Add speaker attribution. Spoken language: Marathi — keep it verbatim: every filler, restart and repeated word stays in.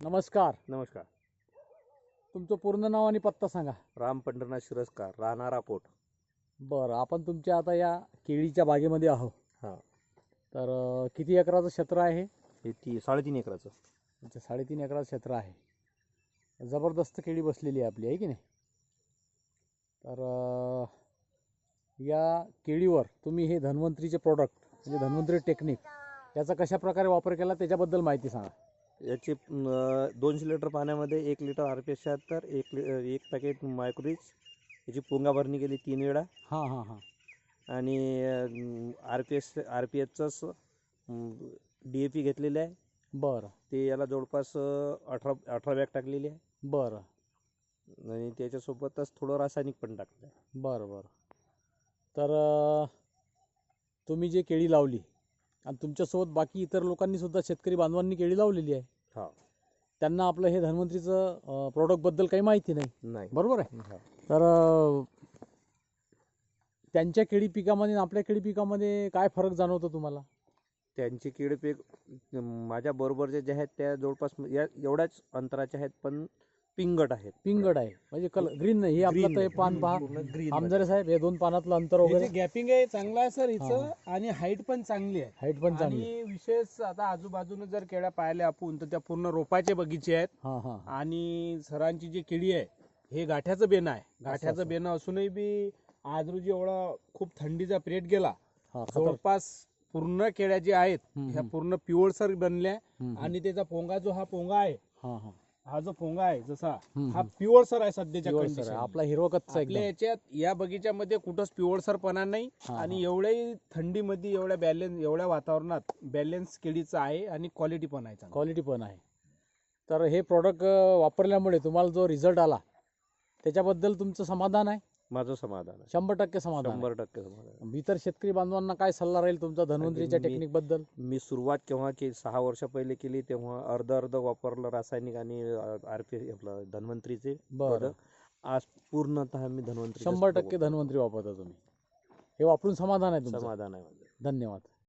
Speaker 1: नमस्कार.
Speaker 2: नमस्कार.
Speaker 1: तुमचं पूर्ण नाव आणि पत्ता सांगा.
Speaker 2: राम पंढरनाथ शिरस्कार, राहणार अकोट.
Speaker 1: बरं, आपण तुमच्या आता या केळीच्या बागेमध्ये आहोत.
Speaker 2: हां.
Speaker 1: तर अ, किती एकराचं क्षेत्र आहे?
Speaker 2: हे ती साडेतीन एकराचं.
Speaker 1: अच्छा, साडेतीन एकराचं क्षेत्र आहे. जबरदस्त केळी बसलेली आहे आपली, आहे की नाही? तर अ, या केळीवर तुम्ही हे धन्वंतरीचे प्रोडक्ट म्हणजे धन्वंतरी टेक्निक याचा कशा प्रकारे वापर केला त्याच्याबद्दल माहिती सांगा.
Speaker 2: याची अं, दोनशे लिटर पाण्यामध्ये एक लिटर आर पी एस शहात्तर, एक लि एक पॅकेट मायक्रोरीच, याची पोंगा भरणी केली तीन वेळा.
Speaker 1: हां हां हां
Speaker 2: आणि R P S R P एसचंच डी ए पी घेतलेलं आहे.
Speaker 1: बरं
Speaker 2: ते याला जवळपास अं, अठरा अठरा बॅग टाकलेली आहे.
Speaker 1: बरं
Speaker 2: आणि त्याच्यासोबतच थोडं रासायनिक पण टाकलं आहे.
Speaker 1: बरं बरं तर अ, तुम्ही जे केळी लावली आणि तुमच्यासोबत बाकी इतर लोकांनी सुद्धा शेतकरी बांधवांनी केळी लावलेली आहे,
Speaker 2: हा.
Speaker 1: त्यांना आपलं हे धन्वंतरीचं प्रोडक्टबद्दल काही माहिती नाही,
Speaker 2: नाही.
Speaker 1: बरोबर आहे?
Speaker 2: हा.
Speaker 1: तर अ, त्यांच्या केळी पिकामध्ये आणि आपल्या केळी पिकामध्ये काय फरक जाणवतो तुम्हाला?
Speaker 2: त्यांचे केळी पीक माझ्या बरोबरचे जे आहेत त्या जवळपास या एवढ्याच अंतराचे आहेत, पण पिंगट आहेत.
Speaker 1: पिंगड आहे म्हणजे कलर ग्रीन नाही. हे आपलं
Speaker 2: Green
Speaker 1: तर हे
Speaker 2: आहे.
Speaker 1: पान पहा
Speaker 2: पूर्ण green
Speaker 1: आमदारे साहेब, हे दोन पानातलं अंतर
Speaker 3: हे
Speaker 1: वगैरे,
Speaker 3: जे गॅपिंग आहे चांगलं आहे सर हिचं,
Speaker 1: हा.
Speaker 3: आणि हाईट पण चांगली आहे.
Speaker 1: हाईट पण चांगली आहे.
Speaker 3: आणि विशेष आता आजूबाजूने जर केळ्या पाहिल्या आपण तर त्या पूर्ण रोपाचे बगीचे आहेत.
Speaker 1: हां हां
Speaker 3: आणि सरांची जी केळी आहे हे गाठ्याचं बेणं आहे.
Speaker 1: असं.
Speaker 3: गाठ्याचं बेणं असूनही बी आज रोजी एवढा खूप थंडीचा पिरियड गेला,
Speaker 1: हां खतर
Speaker 3: जवळपास पूर्ण केळ्या ज्या आहेत
Speaker 1: हम्म,
Speaker 3: ह्या
Speaker 1: हम्म.
Speaker 3: पूर्ण पिवळसर बनल्या.
Speaker 1: हम्म,
Speaker 3: आणि त्याचा पोंगा जो हा पोंगा आहे,
Speaker 1: हां हां
Speaker 3: हा जो पोंगा आहे जसा
Speaker 1: हम्म,
Speaker 3: हा
Speaker 1: हम्म.
Speaker 3: पिवळसर आहे सध्याच्या
Speaker 1: पिवळसर आहे.
Speaker 3: कंडिशन.
Speaker 1: आपला हिरवा कच्चा
Speaker 3: आपल्या
Speaker 1: एकदम.
Speaker 3: याच्यात या बगीच्यामध्ये कुठंच पिवळसरपणा नाही.
Speaker 1: हा,
Speaker 3: आणि एवढ्याही थंडीमध्ये एवढ्या बॅलेन्स एवढ्या वातावरणात बॅलेन्स केळीचं आहे आणि क्वालिटी पण आहे चांगली.
Speaker 1: क्वालिटी पण आहे. तर हे प्रोडक्ट वापरल्यामुळे तुम्हाला जो रिझल्ट आला त्याच्याबद्दल तुमचं समाधान आहे?
Speaker 2: माझं समाधान आहे.
Speaker 1: शंभर टक्के समाधान आहे.
Speaker 2: शंभर टक्के समाधान आहे.
Speaker 1: इतर शेतकरी बांधवांना काय सल्ला राहील तुमचा धन्वंतरीच्या
Speaker 2: मी-
Speaker 1: टेक्निक बद्दल?
Speaker 2: मी सुरुवात केव्हा केली, सहा वर्ष पहिले केली, तेव्हा अर्ध अर्ध वापरलं रासायनिक आणि आर पी आपलं धन्वंतरीचे
Speaker 1: बरं,
Speaker 2: product. आज पूर्णतः मी धन्वंतरी
Speaker 1: शंभर टक्के धन्वंतरी वापरता तुम्ही. हे वापरून समाधान आहे तुमचं?
Speaker 2: समाधान आहे माझं.
Speaker 1: धन्यवाद.